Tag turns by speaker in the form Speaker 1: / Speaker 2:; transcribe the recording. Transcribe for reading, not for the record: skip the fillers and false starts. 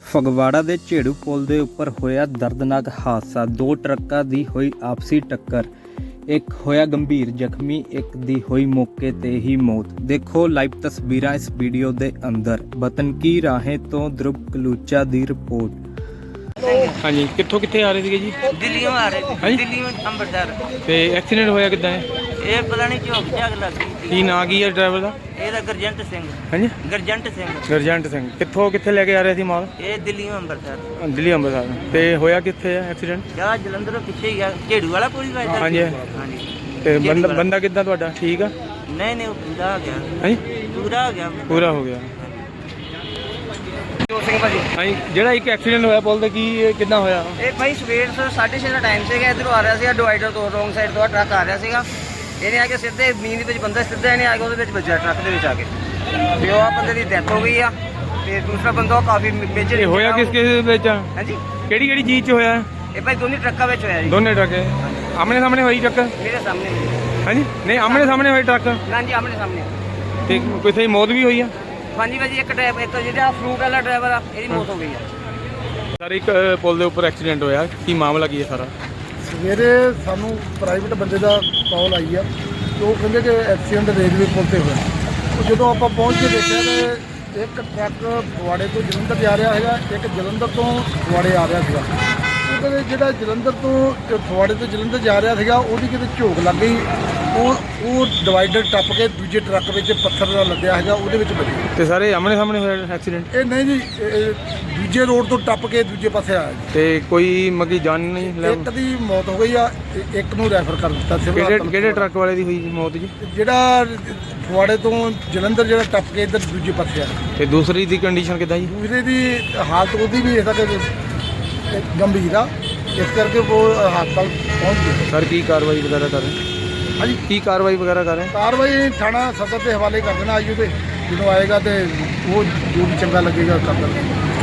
Speaker 1: ਫਗਵਾੜਾ ਦੇ ਝੇੜੂ ਪੁਲ ਦੇ ਉੱਪਰ ਹੋਇਆ ਦਰਦਨਾਕ ਹਾਦਸਾ। ਦੋ ਟਰੱਕਾਂ ਦੀ ਹੋਈ ਆਪਸੀ ਟੱਕਰ, ਇੱਕ ਹੋਇਆ ਗੰਭੀਰ ਜ਼ਖਮੀ, ਇੱਕ ਦੀ ਹੋਈ ਮੌਕੇ ਤੇ ਹੀ ਮੌਤ। ਦੇਖੋ ਲਾਈਵ ਤਸਵੀਰਾਂ ਇਸ ਵੀਡੀਓ ਦੇ ਅੰਦਰ। ਬਤਨਕੀ ਰਾਹੇ ਤੋਂ ਧਰੁਵ ਕਲੂਚਾ ਦੀ ਰਿਪੋर्ट।
Speaker 2: हाँ जी, कितों कितने आ रहे थे जी?
Speaker 3: दिल्ली आ रहे थे। दिल्ली में अंबरसर।
Speaker 2: ते एक्सीडेंट होया किद्दां है?
Speaker 3: ये पता नहीं झोक झाक लग गई थी।
Speaker 2: की नां की है ड्राइवर दा?
Speaker 3: ये गुरजंट सिंह।
Speaker 2: हाँ जी,
Speaker 3: गुरजंट सिंह।
Speaker 2: गुरजंट सिंह। कितों कित्थे लेके आ रहे थे माल?
Speaker 3: ये दिल्ली में अंबरसर।
Speaker 2: दिल्ली अंबरसर। ते होया कित्थे है एक्सीडेंट?
Speaker 3: या जलंधर पीछे ही है, झेड़ू वाला पुल है।
Speaker 2: हाँ जी।
Speaker 3: हाँ जी।
Speaker 2: ते बंदा किद्दां तुहाडा ठीक है?
Speaker 3: नहीं नहीं, वो पूरा आ गया।
Speaker 2: हाँ जी,
Speaker 3: पूरा आ गया।
Speaker 2: पूरा हो गया।
Speaker 3: ਸਿੰਘ ਭਾਜੀ
Speaker 2: हाँ जी, ਜਿਹੜਾ ਇੱਕ ਐਕਸੀਡੈਂਟ ਹੋਇਆ ਪੁਲ ਤੇ ਕੀ ਕਿੱਦਾਂ ਹੋਇਆ?
Speaker 3: ਇਹ ਭਾਈ ਸਵੇਰ 6:30 ਦਾ ਟਾਈਮ ਸੀਗਾ। ਇਧਰੋਂ ਆ ਰਿਹਾ ਸੀਗਾ ਡਿਵਾਈਡਰ ਤੋਂ, ਰੋਂਗ ਸਾਈਡ ਤੋਂ ਟਰੱਕ ਆ ਰਿਹਾ ਸੀਗਾ। ਇਹਨੇ ਆ ਕੇ ਸਿੱਧੇ ਮੀਂਹ ਦੇ ਵਿੱਚ ਬੰਦਾ ਸਿੱਧਾ ਇਹਨੇ ਆ ਕੇ ਉਹਦੇ ਵਿੱਚ ਵੱਜਿਆ, ਟਰੱਕ ਦੇ ਵਿੱਚ ਆ ਕੇ। ਤੇ ਉਹ ਆ ਬੰਦੇ ਦੀ ਡੈਥ ਹੋ ਗਈ ਆ। ਤੇ ਦੂਸਰਾ ਬੰਦਾ ਉਹ ਕਾਫੀ ਮੇਜਰ
Speaker 2: ਇਹ ਹੋਇਆ ਕਿਸ ਕਿਸ ਵਿੱਚ?
Speaker 3: ਹਾਂਜੀ,
Speaker 2: ਕਿਹੜੀ ਕਿਹੜੀ ਚੀਜ਼ 'ਚ ਹੋਇਆ?
Speaker 3: ਇਹ ਭਾਈ ਦੋਨੇ ਟਰੱਕਾਂ ਵਿੱਚ ਹੋਇਆ ਜੀ।
Speaker 2: ਦੋਨੇ ਟਰੱਕ ਆਮਣੇ ਸਾਹਮਣੇ ਹੋਈ ਟਰੱਕ?
Speaker 3: ਮੇਰੇ ਸਾਹਮਣੇ।
Speaker 2: ਹਾਂਜੀ, ਨਹੀਂ ਆਮਣੇ ਸਾਹਮਣੇ ਹੋਈ ਟਰੱਕ
Speaker 3: ਹਾਂਜੀ, ਆਮਣੇ ਸਾਹਮਣੇ।
Speaker 2: ਤੇ ਕੋਈ ਮੌਤ ਵੀ ਹੋਈ ਆ?
Speaker 3: ਹਾਂਜੀ ਭਾਜੀ, ਇੱਕ ਡਰਾਈਵਰ, ਇੱਕ ਜਿਹੜਾ ਫਰੂਟ ਵਾਲਾ ਡਰਾਈਵਰ ਆ, ਇਹਦੀ ਮੌਤ ਹੋ ਗਈ ਆ।
Speaker 2: ਸਰ ਇੱਕ ਪੁਲ ਦੇ ਉੱਪਰ ਐਕਸੀਡੈਂਟ ਹੋਇਆ, ਕੀ ਮਾਮਲਾ ਕੀ ਹੈ ਸਾਰਾ?
Speaker 4: ਸਵੇਰੇ ਸਾਨੂੰ ਪ੍ਰਾਈਵੇਟ ਬੰਦੇ ਦਾ ਕਾਲ ਆਈ ਆ ਤੇ ਉਹ ਕਹਿੰਦੇ ਕਿ ਐਕਸੀਡੈਂਟ ਰੇਲਵੇ ਪੁਲ ਤੇ ਹੋਇਆ। ਉਹ ਜਦੋਂ ਆਪਾਂ ਪਹੁੰਚ ਕੇ ਦੇਖਿਆ ਤੇ ਇੱਕ ਟਰੱਕ ਫਗਵਾੜੇ ਤੋਂ ਜਲੰਧਰ ਜਾ ਰਿਹਾ ਹੈਗਾ, ਇੱਕ ਜਲੰਧਰ ਤੋਂ ਫਗਵਾੜੇ ਆ ਰਿਹਾ ਸੀਗਾ। ਉਹ ਕਹਿੰਦੇ ਜਿਹੜਾ ਜਲੰਧਰ ਤੋਂ ਫਗਵਾੜੇ ਤੋਂ ਜਲੰਧਰ ਜਾ ਰਿਹਾ ਸੀਗਾ, ਉਹਦੀ ਕਿਤੇ ਝੋਕ ਲੱਗ ਗਈ। ਉਹ ਡਿਵਾਈਡਰ ਟੱਪ ਕੇ ਦੂਜੇ ਟਰੱਕ ਵਿੱਚ ਪੱਥਰ ਦਾ ਲੱਦਿਆ ਹੈਗਾ, ਉਹਦੇ ਵਿੱਚ ਵੱਜੀ।
Speaker 2: ਤੇ ਸਾਰੇ ਆਮਣੇ ਸਾਹਮਣੇ ਹੋਇਆ ਐਕਸੀਡੈਂਟ?
Speaker 4: ਇਹ ਨਹੀਂ ਜੀ, ਇਹ ਦੂਜੇ ਰੋਡ ਤੋਂ ਟੱਪ ਕੇ ਦੂਜੇ ਪਾਸੇ ਆਇਆ ਜੀ।
Speaker 2: ਤੇ ਕੋਈ ਮਗੀ ਜਾਨ ਨਹੀਂ ਲੈ?
Speaker 4: ਇੱਕ ਦੀ ਮੌਤ ਹੋ ਗਈ ਆ, ਇੱਕ ਨੂੰ ਰੈਫਰ ਕਰ ਦਿੱਤਾ ਸਿਵਲ ਹਸਪਤਾਲ।
Speaker 2: ਕਿਹੜੇ ਟਰੱਕ ਵਾਲੇ ਦੀ ਹੋਈ ਮੌਤ ਜੀ?
Speaker 4: ਜਿਹੜਾ ਫਗਵਾੜੇ ਤੋਂ ਜਲੰਧਰ ਜਿਹੜਾ ਟੱਪ ਕੇ ਇੱਧਰ ਦੂਜੇ ਪਾਸੇ ਆ।
Speaker 2: ਤੇ ਦੂਸਰੀ ਦੀ ਕੰਡੀਸ਼ਨ ਕਿੱਦਾਂ ਜੀ?
Speaker 4: ਦੂਸਰੇ ਦੀ ਹਾਲਤ ਉਹਦੀ ਵੀ ਇਸ ਤੱਕ ਗੰਭੀਰ ਆ, ਇਸ ਕਰਕੇ ਉਹ ਹਸਪਤਾਲ ਪਹੁੰਚ ਗਏ।
Speaker 2: ਸਰ ਕੀ ਕਾਰਵਾਈ ਵਗੈਰਾ ਕਰ ਰਹੇ?
Speaker 4: ਹਾਂਜੀ,
Speaker 2: ਕੀ ਕਾਰਵਾਈ ਵਗੈਰਾ ਕਰ ਰਹੇ?
Speaker 4: ਕਾਰਵਾਈ ਥਾਣਾ ਸਦਰ ਦੇ ਹਵਾਲੇ ਕਰ ਦੇਣਾ। ਆਈਓ ਤੇ ਜਦੋਂ ਆਏਗਾ ਤੇ ਉਹ ਜੋ ਵੀ ਚੰਗਾ ਲੱਗੇਗਾ ਕਰ ਦੇਣਾ।